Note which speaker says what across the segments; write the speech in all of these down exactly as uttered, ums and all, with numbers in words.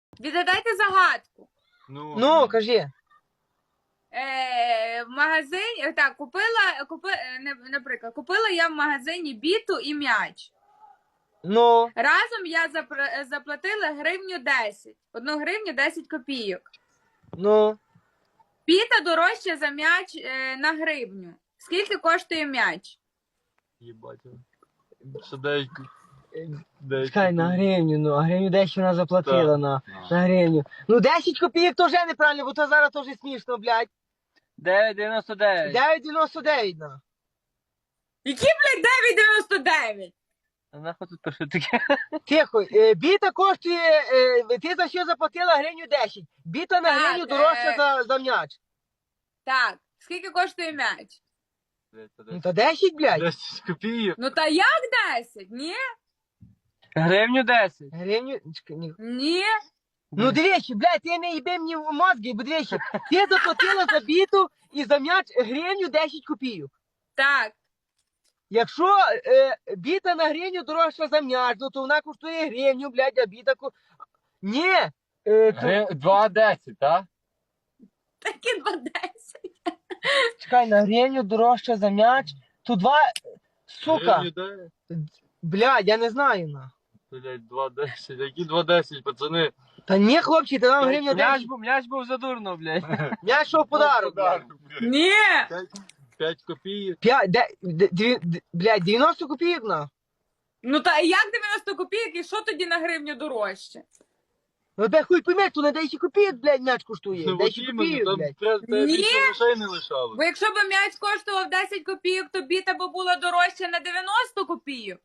Speaker 1: Відгадайте загадку.
Speaker 2: Ну,
Speaker 3: Ну, кажи.
Speaker 1: Е, в магазині, так, купила, купи, е, не- наприклад, купила я в магазині біту і м'яч.
Speaker 3: Ну,
Speaker 1: Разом я запр- заплатила гривню десять. Одну гривню десять копійок.
Speaker 3: ну.
Speaker 1: Біта дорожча за м'яч е, на гривню. Скільки коштує м'яч?
Speaker 2: їбать. Що дев'ять... дев'ять
Speaker 3: Чекай, на
Speaker 2: копійок.
Speaker 3: гривню, ну, а гривню десять вона заплатила
Speaker 2: Так.
Speaker 3: на, на гривню. Ну, десять копійок то вже неправильно, бо то зараз теж смішно, блядь.
Speaker 4: дев'ять дев'яносто дев'ять.
Speaker 3: дев'ять дев'яносто дев'ять, на.
Speaker 1: Які, блядь, дев'ять дев'яносто дев'ять?
Speaker 4: А нахуй тут пише таке?
Speaker 3: Тихо, е, біта коштує, е, ти за що заплатила гривню десять. Біта на
Speaker 1: Так,
Speaker 3: гривню дорожча
Speaker 1: е.
Speaker 3: за, за м'яч.
Speaker 1: Так, скільки коштує м'яч?
Speaker 3: Ну, то десять, блядь.
Speaker 2: десять копійок.
Speaker 1: Ну та як десять? Ні?
Speaker 4: Гривню десять.
Speaker 3: Гривню, чекай, ні.
Speaker 1: Ні?
Speaker 3: Ну, дивіться, блядь, ти не їби мені в мозги, бо дивіться, ти заплатила за біту і за м'яч гривню десять копійок.
Speaker 1: Так.
Speaker 3: Якщо е, біта на гривню дорожча за м'яч, ну то вона коштує гривню, блядь, а біта ко... Ні! Е, то...
Speaker 4: два десять, так?
Speaker 1: Такі два десять.
Speaker 3: Чекай, на гривню дорожча за м'яч, то два... Сука!
Speaker 2: Гривню дев'ять.
Speaker 3: Блядь, я не знаю, на.
Speaker 2: Блять, два десять. Які два десять, пацани?
Speaker 3: Та ні, хлопці, та нам гривня
Speaker 4: М'яч
Speaker 3: десять.
Speaker 4: був, м'яч був задурно, блядь.
Speaker 3: М'яч що в подарок, блядь.
Speaker 1: Ні!
Speaker 2: п'ять копійок.
Speaker 3: П'ять, де, де, дві, де, блядь, дев'яносто копійок, на.
Speaker 1: Ну та як дев'яносто копійок і що тоді на гривню дорожче?
Speaker 3: Ну де хуй пойме, то на десять копійок, блядь, м'яч коштує.
Speaker 2: Ну, от
Speaker 3: десять
Speaker 2: іменно,
Speaker 3: копійок,
Speaker 2: там
Speaker 3: блядь.
Speaker 2: треба тебе
Speaker 1: Ні.
Speaker 2: більше грошей не лишало.
Speaker 1: Бо якщо б м'яч коштував десять копійок, то біта б була дорожча на дев'яносто копійок.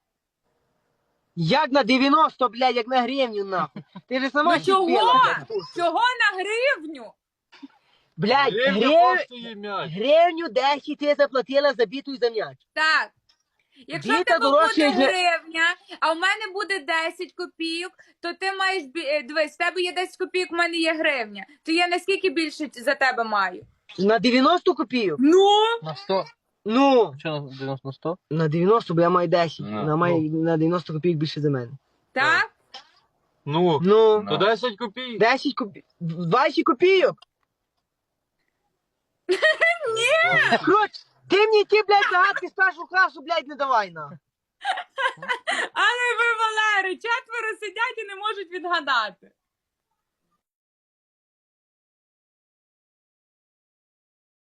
Speaker 3: Як на дев'яносто, блядь, як на гривню, нахуй. Ти ж сама
Speaker 1: Ну чого?
Speaker 3: чіпила, блядь.
Speaker 1: Чого на гривню?
Speaker 3: Блядь,
Speaker 2: Гривня
Speaker 3: грив...
Speaker 2: коштує м'яч.
Speaker 3: гривню десять ти заплатила за біту і за м'яч.
Speaker 1: Так. Якщо в
Speaker 3: Біта
Speaker 1: тебе
Speaker 3: дорожча,
Speaker 1: буде
Speaker 3: як-
Speaker 1: гривня, а в мене буде десять копійок, то ти маєш бі- е, дивись, в тебе є десять копійок, в мене є гривня. То я наскільки більше за тебе маю?
Speaker 3: На дев'яносто копійок?
Speaker 1: Ну,
Speaker 4: На сто.
Speaker 3: Ну,
Speaker 4: Що на дев'яносто на сто?
Speaker 3: на дев'яносто, бо я маю десять.
Speaker 2: Ну,
Speaker 3: на, маю, на дев'яносто копійок більше за мене.
Speaker 1: так?
Speaker 2: Ну,
Speaker 3: Ну,
Speaker 2: то десять копійок.
Speaker 3: десять копійок. двадцять копійок. Ні! Коротше, ти мені ті, блядь, загадки з першого класу, блядь, не давай, на.
Speaker 1: Але ви, Валери, четверо сидять і не можуть відгадати.